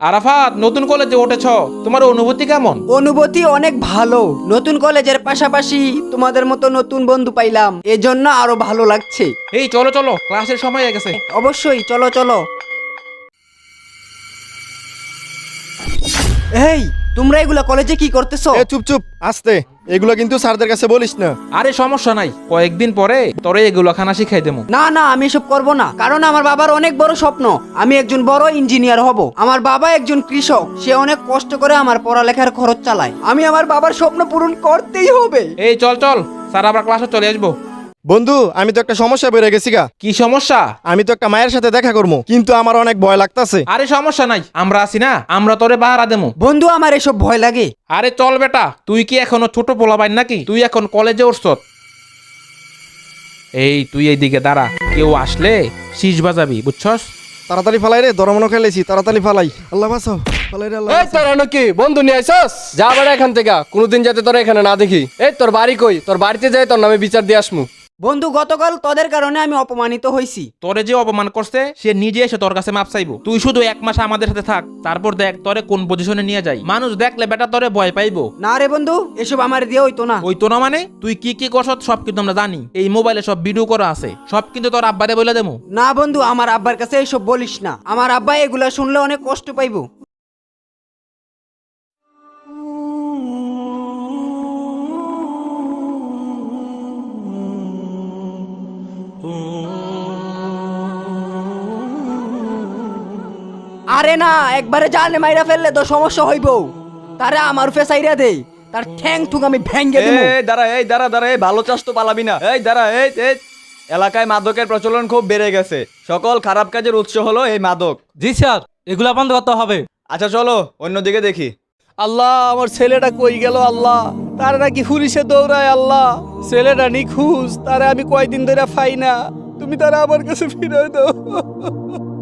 আরাফাত, নতুন কলেজে উঠেছ, তোমার অনুভূতি কেমন? অনুভূতি অনেক ভালো। নতুন কলেজের পাশাপাশি তোমাদের মতো নতুন বন্ধু পাইলাম, এজন্য আরো ভালো লাগছে। এই চলো চলো, ক্লাসের সময় হয়ে গেছে। অবশ্যই, চলো চলো। এই, তোমরা এগুলা কলেজে কি করতেছো? এ চুপ চুপ, আস্তে। এগুলো কিন্তু স্যারদের কাছে বলিস না। আরে সমস্যা নাই, কয়েকদিন পরে তোরে এগুলো খানা শিখাই দেবো। না না, আমি এসব করব না, কারণ আমার বাবার অনেক বড় স্বপ্ন, আমি একজন বড় ইঞ্জিনিয়ার হব। আমার বাবা একজন কৃষক, সে অনেক কষ্ট করে আমার পড়ালেখার খরচ চালায়। আমি আমার বাবার স্বপ্ন পূরণ করতেই হবে। এই চল চল, স্যার আবার ক্লাসে চলে আসবো। বন্ধু, আমি তো একটা সমস্যা বেড়ে গেছি গা। কি সমস্যা? আমি তো একটা মায়ের সাথে দেখা করবো, কিন্তু আমার অনেক ভয় লাগতাছে। আরে সমস্যা নাই, আমরা আছি না, আমরা তোরে বাহারা দেবো। বন্ধু, আমার এসব ভয় লাগে। আরে চল বেটা, তুই কি এখনো ছোট পোলাবাইন নাকি? তুই এখন কলেজে উঠছ। এই তুই এইদিকে দাঁড়া, কেউ আসলে শীষ বাজাবি, বুঝছস? তাড়াতাড়ি ফালাই রে, দরমনো খেলেছি, তাড়াতাড়ি ফালাই। আল্লাহ বাঁচাও, ফালাই রে আল্লাহ এই বাঁচাও। তোরা নাকি বন্ধু নিয়ে আইসস? যা বেড়া এখান থেকে, কোনোদিন যাতে তোরা এখানে না দেখি। এই তোর বাড়ি কই? তোর বাড়িতে যাই, তোর নামে বিচার দিয়ে আসমু। বন্ধু, গতকাল তোদের কারণে আমি অপমানিত হয়েছি। তোরে যে অপমান করছে সে নিজে এসে তোর কাছে মাপ চাইবো। তুই শুধু 1 মাস আমাদের সাথে থাক, তারপর দেখ তোরে কোন পজিশনে নিয়ে যাই। মানুষ দেখলে বেটা তোরে ভয় পাইবো। না রে বন্ধু, এসব আমার দিয়ে হইতো না। ওই তো না মানে, তুই কি কি করছ সব কিন্তু আমরা জানি। এই মোবাইলে সব ভিডিও করা আছে, সব কিন্তু তোর আব্বারে বলে দেবো। না বন্ধু, আমার আব্বার কাছে এসব বলিস না, আমার আব্বা এগুলা শুনলে অনেক কষ্ট পাইবো। আরে না, একবারে জানে মাইরা ফেললে তো সমস্যা হইব। তারে আমার ফেসাইরা দে, তার ঠ্যাং ঠুক আমি ভেঙ্গে দেব। এই দাঁড়া, এই ভালো চাষ তো পালাবি না। এই দাঁড়া, এই এলাকায় মাদকের প্রচলন খুব বেড়ে গেছে। সকল খারাপ কাজের উৎস হলো এই মাদক। জি স্যার, এগুলা বন্ধ করতে হবে। আচ্ছা চলো অন্যদিকে দেখি। আল্লাহ, আমার ছেলেটা কই গেল? আল্লাহ, তার নাকি পুলিশে দৌড়ায়। আল্লাহ, ছেলেটা নিখোঁজ, তারা আমি কয়দিন ধরে পাই না। তুমি তারা আমার কাছে ফিরে দাও।